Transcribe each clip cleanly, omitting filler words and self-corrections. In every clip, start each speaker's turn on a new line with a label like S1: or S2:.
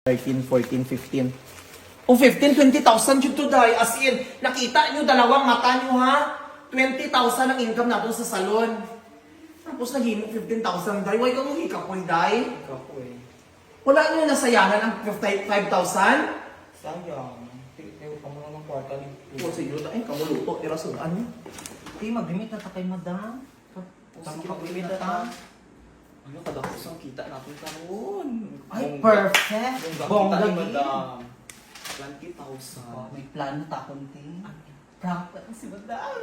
S1: 13, 14, 15. Kung 15, 20,000 yun to die. As in, nakita nyo, dalawang mata nyo ha? 20,000 ang income natin sa salon. Tapos naghimo 15,000 die. Why ka mo hikapoy die?
S2: Kapoy.
S1: Wala nyo nasayangan ang 5,000?
S2: Sayang. Tayo ka mo ng kwarta ni
S1: O sige, ay, kamuluto, irasunan nyo.
S2: Di, mag-limit na ta kay madam.
S1: Sige, mag-limit na ta.
S2: Ano, kadakos ang kita natin karoon.
S1: Ay, perfect!
S2: Bongga
S1: Bongga
S2: ni
S1: ni.
S2: madam. 20,000.
S3: Oh, may plano ta kunti. Prank pa si madam.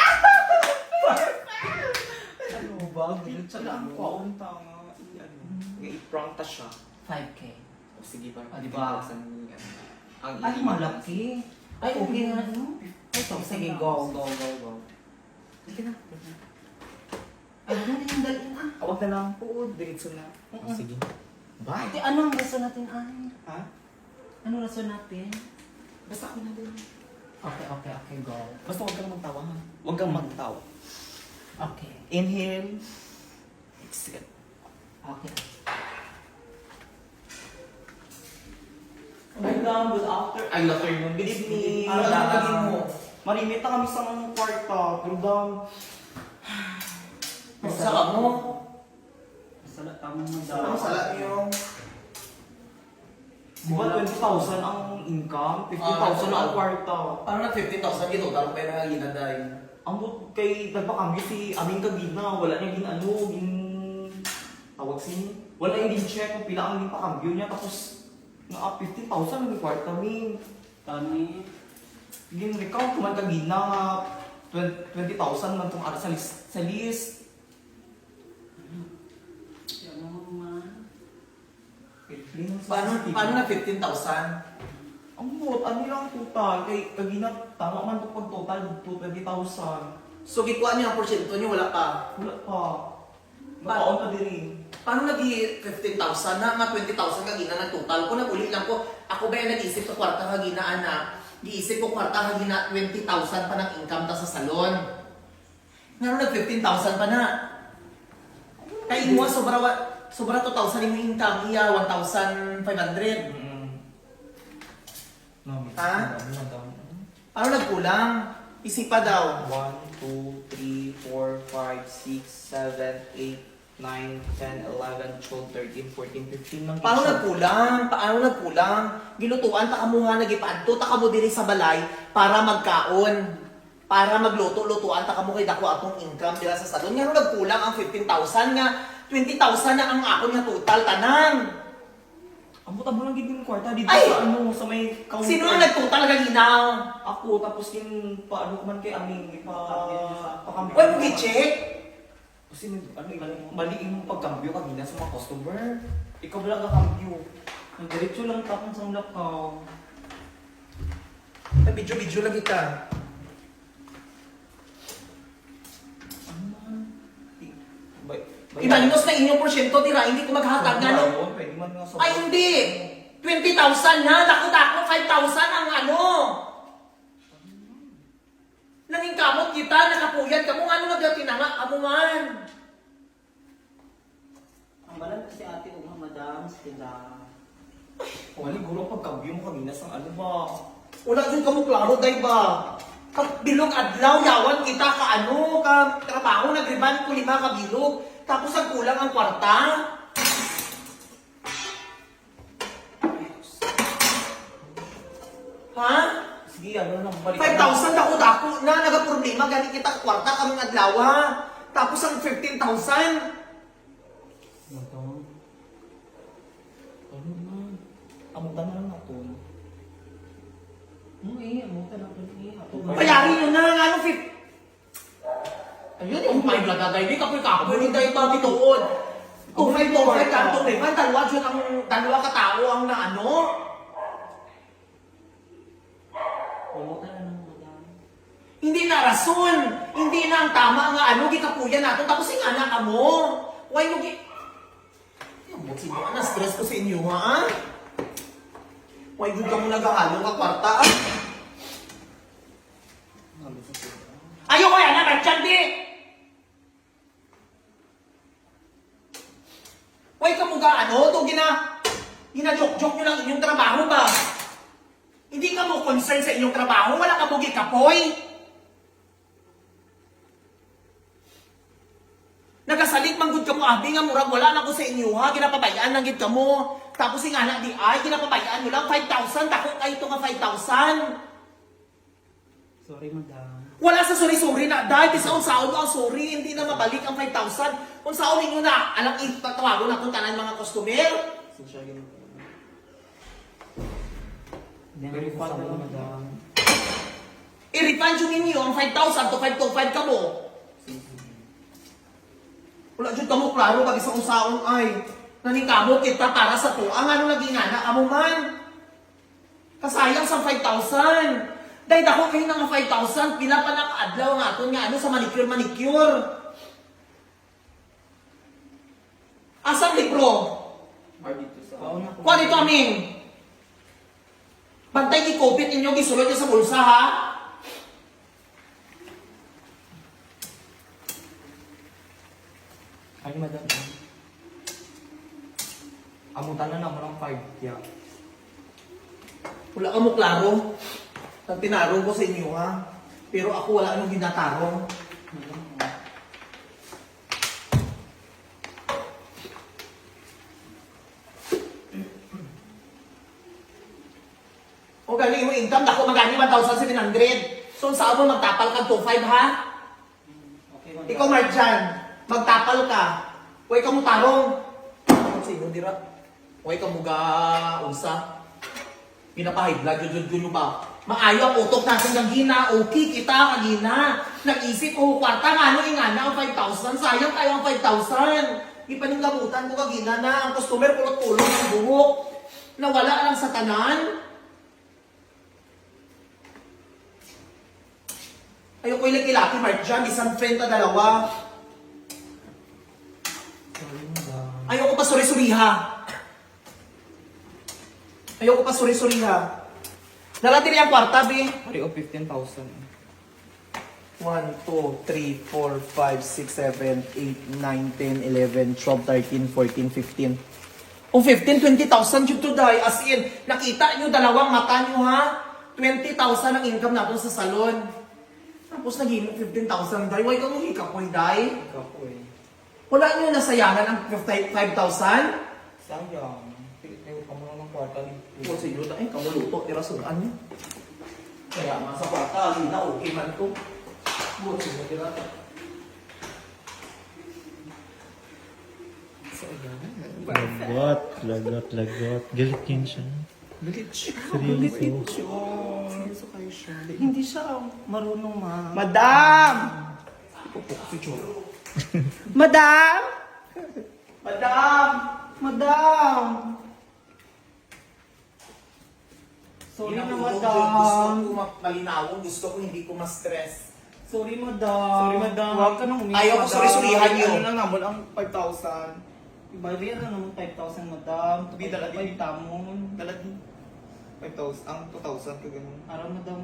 S2: Ano ba? Ganyan siya lang ko. Ang tanga. I-prank ta siya.
S3: 5K.
S2: O sige ba?
S3: Ah, di ba?
S2: 20,000 ni ang
S3: Ay, malaki. Ay, okay na ano? Ay, sige, go.
S2: Sige na.
S3: Ay, ano na yung dalhin ah?
S2: Awag na lang po. Diretso na. Sige. Bye.
S3: Ate, ano ang rason natin ay?
S2: Ha?
S3: Ano rason natin?
S2: Basta ako na din.
S3: Okay, go.
S2: Basta huwag kang magtawa ha. Huwag kang magtawa.
S3: Okay.
S2: Inhale. Exhale.
S3: Okay.
S2: Madam, good afternoon. Ay, good afternoon. Good evening.
S1: Ano lang lagi mo?
S2: Marimit na kami sa mga kwarta. Pero dam,
S1: Saka mo.
S3: Salat tamang
S1: Ano
S3: madam.
S1: salat nyo?
S2: di ba 20,000 ang income? 50,000 na ang kwarta.
S1: Parang na 15,000 gito, tarong pera nga ginaday.
S2: Ang but kay nagpakambyo si Aming Kagina, wala niya tawag sin, wala yung check kung pila ang pakambyo niya, tapos nga 15,000 ang kwarta min.
S3: Tani.
S2: Recount kuman Kagina nga 20,000 man itong ara sa list.
S3: Yan mo man.
S1: Paano na 15,000?
S2: Ang bot, ano lang total? Kay Kagina, tama man ito pag total, 20,000.
S1: So, gikuha niyo ang porsyento niyo, wala pa.
S2: Wala pa. Nakaon pa din.
S1: Paano nag 15,000 na nga 20,000 kagina na total ko? Nag-uli lang ko, ako ba yung nag-isip ko kwarta kagina ana? Giisip ko kwarta kagina 20,000 pa ng income ta sa salon. Nga nag 15,000 pa na. Kaya mo sobra 2,000 yung income, iya 1,500. Ha? Paano nagkulang? Isipa daw.
S2: 1, 2, 3, 4, 5, 6, 7, 8, 9, 10, 11, 12, 13, 14, 15 lang.
S1: Paano nagkulang? Paano nagkulang? Gilutuan ta kamo nga nagipaadto ta kamo diri sa balay para magkaon. Para magluto-lutuan ta kamo kay dako atong income dira sa salon. Nga nagkulang ang 15,000 nga 20,000 na ang ako nga total tanan.
S2: Ang buta mo lang gid yung kwarta dito
S1: Ay!
S2: sa ano, sa may counter.
S1: Sino ang nagtotal gaginaw?
S2: Ako, tapos yung paano ko man kay Aming, pakambyo.
S1: Why mo gi-check?
S2: Kasi mali yung pagkambyo kanina sa mga customer. Ikaw wala ka kambyo. Ang diretso lang tapon sa lakaw.
S1: Video lang kita. Imanos na inyong porsyento tira, hindi ko maghatag nga no.
S2: Pwede man nga
S1: Ay hindi! 20,000 na! Dako-dako 5,000 ang ano! Nanging kamot kita, nakapuyat ka mo, ano nagdatinanga ka mo man?
S3: Ang balan kasi ate umang madam sila.
S2: Wali guro pagkambyo mo kanina sa ano ba?
S1: Wala din ka mo klaro, day ba? Bilog adlaw, yawan kita ka ano, ka trabaho, nagriban ko 5 ka bilog. Tapos ang kulang ang kwarta. Ha?
S2: Sige, ano lang, balik.
S1: 5,000 dako-dako na, nagaproblema, gani kita kwarta kaming adlaw. Tapos ang 15,000.
S2: Ano na? Amutan na lang ako.
S3: Mo ta na kun
S1: Bayarin nyo na, ano, 50. Ayun, yung 5 lang gagay, di kapoy-kapoy, hindi tayo pabituon. 2,525 kantong liman, dalawa katao ang na ano.
S3: Mo ta na madam.
S1: Hindi na rason, hindi na ang tama nga ano, gikapuyan natin, tapos ingana ka mo. Why mo Yung buti mo, na-stress ko sa inyo, ha? Why good ka mo nagahalo ka kwarta, ah? Ayoko yan, ha? Merchant, di! Why ka mo ga ano, to Hinajoke-joke nyo lang inyong trabaho ba? Hindi ka mo concern sa inyong trabaho, wala ka mo gikapoy. Nagasalit manggod ka mo, abi nga murag wala na ko sa inyo ha, ginapabayaan lang gid ka mo. Tapos yung anak di ay, ginapabayaan mo lang 5,000, dako kayo ito nga 5,000.
S3: Sorry, madam.
S1: Wala sa sorry-sorry na, dahil sa unsaon mo ang sorry, hindi na mabalik ang 5,000. Unsaon ninyo na, alam itatawago na kung tanan mga customer.
S2: Social yun.
S3: Refund na, madam.
S1: I-refund yun ninyo ang 5,000 to 525 ka mo. Wala dyan ka mo, klaro, pag isang unsaon ay, nanikamo kita para sa to. Ang ano naging anak, amo man. Kasayang sa 5,000. Dahil ako kayo ng 5,000, pila pa nakaadlaw nga aton nga ano sa manicure. Asang libro?
S2: Dito sa...
S1: Kuha dito aming. Bantay i-copy ninyo, gisulod niyo sa bulsa ha.
S2: Ay, madam. Amutan na naman ang 5. Yeah.
S1: Wala ka mo klaro. Ang tinarong ko sa inyo ha. Pero ako wala anong ginatarong. O galing mo income, dako magani 1,700. So saan mo magtapal ka 2,500 ha?
S3: Okay, madam.
S1: Ikaw Marjan, magtapal ka. Huwag ka mo tarong. Sino dira? Huwag ka mo ga unsa. Pinapahid blood, yun ba? Maayo ang utok natin ng gina, okay kita kagina. Nag-isip, kwarta nga, ano nga na ang 5,000, sayang tayo ang 5,000. Ipaninggabutan ko kagina na, ang customer pulot-pulot ng buhok. Nawala lang sa tanan. Ayoko yung kilaki, Mark Jan, isang friend na dalawa.
S2: Sorry, madam.
S1: Ayoko pa suri-suriha. Ayoko pa suri-suriha. Narating yung kwarta, B.
S2: Pari o 15,000.
S1: 1, 2, 3, 4, 5, 6, 7, 8, 9, 10, 11, 12, 13, 14, 15. Kung 15, 20,000 yun to die. As in, nakita nyo dalawang mata nyo ha? 20,000 ang income natin sa salon. Tapos naging 15,000 die. Why ka mo hikapoy die?
S2: Kapoy.
S1: Wala nyo nasayangan ang 5,000?
S2: Sayang. Tayo ka muna ng kwarta ni...
S1: Kung sa iyo, ay, kamuluto, tirasunan niyo. Kaya nga sa kwarta, hindi na okay man ito. Buot siya, tira.
S4: Lagot. Galit yun siya. Seryoso.
S3: Seryoso kayo siya. Hindi siya marunong, ma.
S1: Madam! Madam! Madam! Madam!
S3: Sorry na,
S1: Gusto
S3: madam.
S1: ko malinawon, gusto ko hindi ko ma-stress.
S3: Sorry, madam.
S2: Sorry, madam.
S3: Huwag ka nang umiyak,
S1: Ayaw ko
S3: madam.
S1: suri-surihan yun.
S3: Ano lang naman ang 5,000? Ibayaran na naman 5,000, madam.
S2: Di, dala din.
S3: 5 tamon.
S2: Dalat ni 5,000. Ang 2,000 ka ganun.
S3: Araw, madam.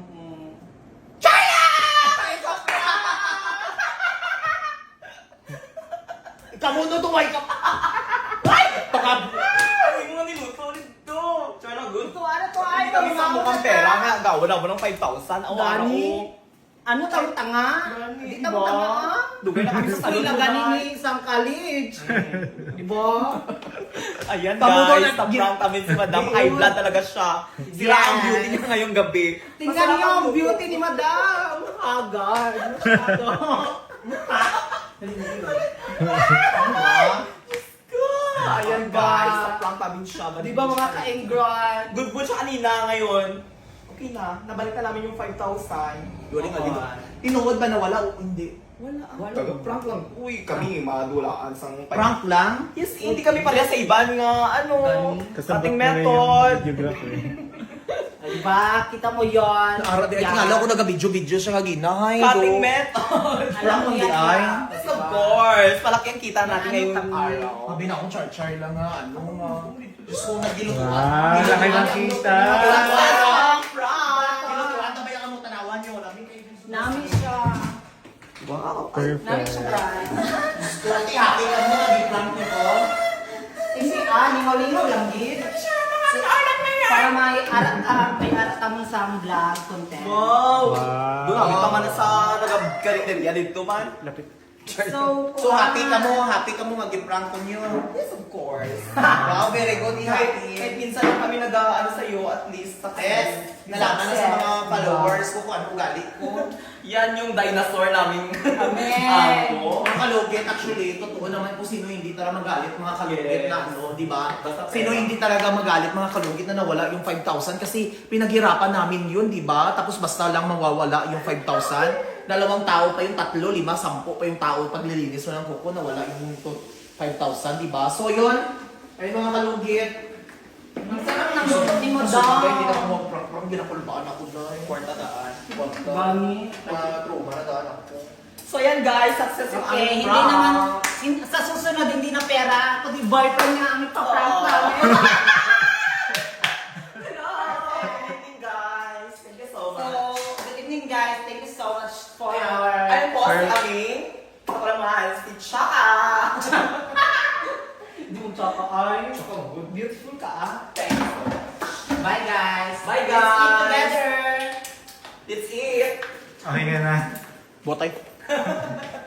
S1: Kamuno to, why ka pa? Ay! Baka...
S2: Ay, mo niluto dito. Tsara good.
S3: Ito, ano to? Ay,
S2: Kami sa mukhang pera nga. Gawa na mo ng 5,000. Awa na
S3: Dani?
S2: ko.
S3: Ano tayo tanga?
S2: Dani,
S3: Hindi
S2: diba?
S3: tayo tanga.
S2: Dugay na kami sa salon.
S3: Wala ganin ni isang college. Diba?
S2: Ayan
S1: Pamuno
S2: guys,
S1: na-
S2: na-prank kami si Madam. High blood talaga siya. Sira ang
S3: Yes.
S2: beauty niya ngayong gabi.
S3: Tingnan
S2: Masarap
S3: niyo
S2: ang
S3: ang
S2: buhok.
S3: beauty ni madam. Agad. Masyado.
S2: Ayan guys, na-prank namin siya.
S3: Di ba mga ka-engran?
S2: Good mood siya kanina ngayon. Okay na, nabalik na namin yung 5,000. Duling nga dito.
S1: Tinuod ba na wala o hindi?
S2: Wala.
S3: Wala.
S2: Prank lang. Uy, kami madulaan sang
S1: Prank lang?
S2: Yes, hindi kami pareha sa iban nga, ano,
S4: Kasabot
S2: ating
S4: na rin
S2: method.
S4: yung videographer.
S3: Diba? Kita mo yon.
S1: Ara, di
S3: Yan.
S1: tingala ko naga-video-video siya nga ginahay.
S2: Cutting method.
S3: Alam mo
S1: Hindi
S3: yan.
S1: ay.
S2: Yes, of course. Malaki ang kita natin ngayong araw.
S1: Sabi na akong char-char lang nga, ano nga. Diyos ko, nagilutuan.
S4: Wow, laki ng kita.
S2: Prank! Prank!
S1: Gilutuan, tabay ang among tanawan niyo. Lami kayo.
S3: Nami siya.
S2: Wow.
S3: Nami
S4: Perfect.
S3: siya, guys.
S1: Diyos ko, happy ka mo, nag-prank niyo ko.
S3: Kasi, lingaw-lingaw lang, gid.
S5: Para may arat mo sa vlog content.
S2: Wow!
S4: Wow.
S2: Doon kami pa man sa nagkarinderya dito man.
S4: Lapit.
S1: So happy ka mo mag-prank ko niyo.
S2: Yes, of course.
S1: Wow, very good,
S2: Kahit
S1: happy.
S2: minsan lang kami nag-ano sa'yo, at least success.
S1: Nalaman na sa mga followers ko kung ano ugali ko.
S2: Yan yung dinosaur namin.
S5: Amen.
S2: Ano?
S1: Ang kalugit, actually, totoo naman po sino hindi talaga magalit mga kalugit
S2: Yes.
S1: na ano, di ba?
S2: Basta
S1: Sino
S2: pera.
S1: hindi talaga magalit mga kalugit na nawala yung 5,000 kasi pinaghirapan namin yun, di ba? Tapos basta lang mawawala yung 5,000. 2 tao pa yung 3, 5, 10 pa yung tao paglilinis mo ng kuko, nawala yung 5,000, di ba? So yun, ay mga kalugit.
S5: Ang sarap ng lupot ni mo
S1: So,
S5: daw.
S1: hindi na ako mag-prank, ginakulbaan ako na.
S2: Kwarta daan.
S5: Bani.
S1: Trauma na daan ako.
S2: So yan guys, success yung
S5: Okay,
S2: aming
S5: hindi
S2: prank.
S5: naman, sa susunod hindi na pera, kundi boyfriend nga ang ipaprank
S2: Oo.
S5: namin.
S2: Hello! Good evening guys. Thank you so
S5: So,
S2: much.
S5: good evening guys. Thank you so much for
S2: Ayun.
S5: our...
S2: Ayun po si aming kapalamahal, si Chaka.
S3: Hindi mo tsaka ay.
S1: Beautiful ka ah.
S2: Thanks.
S5: Bye guys.
S2: Bye,
S5: Let's eat
S2: guys.
S5: together.
S2: It's it.
S4: Okay ka na.
S1: Botay.